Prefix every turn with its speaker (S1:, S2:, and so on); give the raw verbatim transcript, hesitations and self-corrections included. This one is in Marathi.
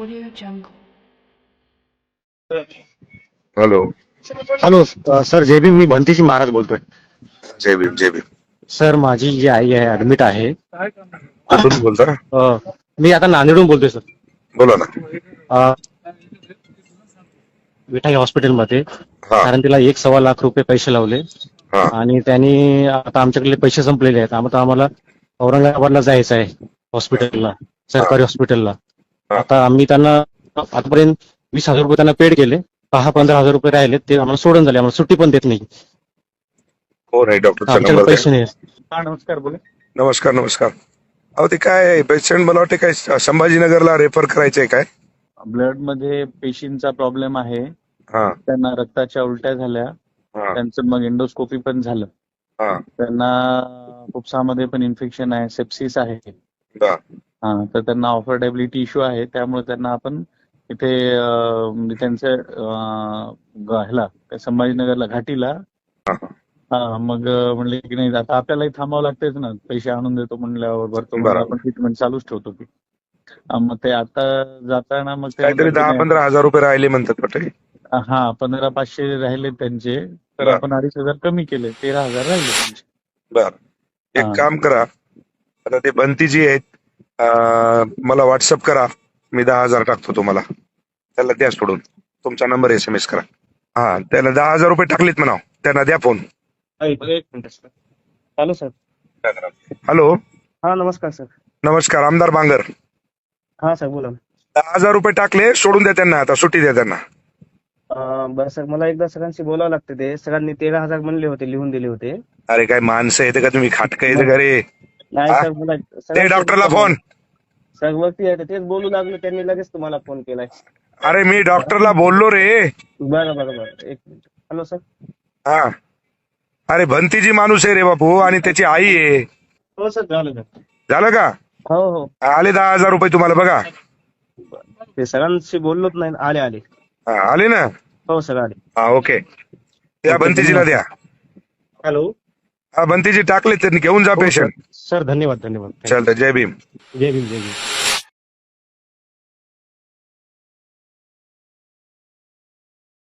S1: Audio Jungle.
S2: हॅलो.
S3: हॅलो अ, सर जय भीम. मी भंतीजी महाराज बोलतोय.
S2: जय भीम जय भीम.
S3: सर माझी जी आई आहे ऍडमिट आहे.
S2: कुठून बोलता?
S3: अ, मी आता नांदेडहून बोलतोय सर.
S2: बोला ना.
S3: अ, विठाई हॉस्पिटलमध्ये.
S2: हा
S3: कारण तिला एक सव्वा लाख रुपये पैसे लावले
S2: हा
S3: आणि त्यांनी आता आमच्याकडे पैसे संपलेले आहेत. आता आम्हाला औरंगाबादला जायचं आहे हॉस्पिटलला,
S2: हा
S3: सरकारी हॉस्पिटलला.
S2: हा.
S3: आता आम्ही त्यांना आतापर्यंत वीस हजार रुपये त्यांना पेड केले. दहा पंधरा हजार रुपये राहिले ते आम्हाला सोडून झाले. आम्हाला सुट्टी पण देत नाही.
S2: हो नाही, डॉक्टरचा
S3: आमच्याकडे
S2: नंबर द्या.
S3: पैसे नाही. हा नमस्कार बोला.
S2: नमस्कार नमस्कार. अहो ते काय पेशंट मला वाटते काय संभाजीनगरला रेफर करायचंय काय?
S4: ब्लड मध्ये पेशींचा प्रॉब्लेम आहे.
S2: हा
S4: त्यांना रक्ताच्या उलट्या झाल्या.
S2: हा
S4: त्यांचं मग एंडोस्कोपी पण झालं.
S2: हा
S4: त्यांना फुफ्सामध्ये पण इन्फेक्शन आहे, सेप्सिस आहे.
S2: दा.
S4: हा तर त्यांना ऑफर्डेबिलिटी इश्यू आहे. त्यामुळे त्यांना आपण इथे अं, म्हणजे त्यांच्या अं, ग- ह्याला काय संभाजीनगरला घाटीला.
S2: हा.
S4: हा मग अं, म्हणले की नाही आता आपल्यालाही थांबावं लागतेच ना, पैसे आणून देतो म्हणल्यावर भरतो म्हणून
S2: बरोबर.
S4: आपण ट्रीटमेंट चालूच ठेवतो की. हा, मग ते आता जाताना मग ते
S2: काहीतरी
S4: म्हणतात की
S2: दहा
S4: नाही,
S2: पंधरा हजार रुपये राहिले म्हणतात वाटते.
S4: हा पंधरा पाचशे राहिले त्यांचे, तर
S2: बरं.
S4: आपण अडीच हजार कमी केले, तेरा हजार राहिले त्यांचे.
S2: बर एक
S4: हा.
S2: काम करा, आता ते बंतीजी आहेत, अं, मला व्हॉट्सअप करा. मी दहा हजार टाकतो तुम्हाला. त्याला द्या सोडून. तुमचा नंबर एस एम एस करा. हा त्याला दहा हजार रुपये टाकलेत म्हणा. त्यांना द्या फोन.
S3: एक minute sir. Hello sir.
S2: Hello.
S3: हा नमस्कार सर.
S2: नमस्कार. आमदार बांगर.
S3: हा सर बोला.
S2: दहा हजार रुपये टाकले, सोडून द्या त्यांना. आता सुट्टी द्या त्यांना.
S3: अं, बरं सर, मला एकदा सगळ्यांशी बोलावं लागतं. ते सगळ्यांनी तेरा हजार म्हणले होते, लिहून दिले होते.
S2: अरे काय माणसं येते का तुम्ही? खाटकं येते का रे?
S3: नाही
S2: हा?
S3: सर, मला
S2: ते
S3: सगळ्यांशी
S2: डॉक्टरला
S3: बोलावं.
S2: फोन.
S3: सर वरती आहे, तेच बोलू लागलो, त्यांनी लगेच तुम्हाला फोन केलाय.
S2: अरे मी डॉक्टरला बोललो रे.
S3: बरं बरं बरं, एक मिनिट. Hello sir.
S2: हा अरे भंतीजी माणूस आहे रे बापू, आणि त्याची आई आहे.
S3: हो सर, झालं सर.
S2: झालं का?
S3: हो हो.
S2: आले दहा हजार रुपये तुम्हाला बघा.
S3: ते सगळ्यांशी बोललोच नाही. आले आले.
S2: हा आले ना.
S3: हो सर आले.
S2: हा ओके. त्या बंतीजीला द्या.
S3: हॅलो.
S2: हा बंतीजी टाकले, त्यांनी घेऊन जा पेशंट.
S3: सर धन्यवाद धन्यवाद.
S2: चालतं. जय भीम.
S3: जय भीम जय भीम.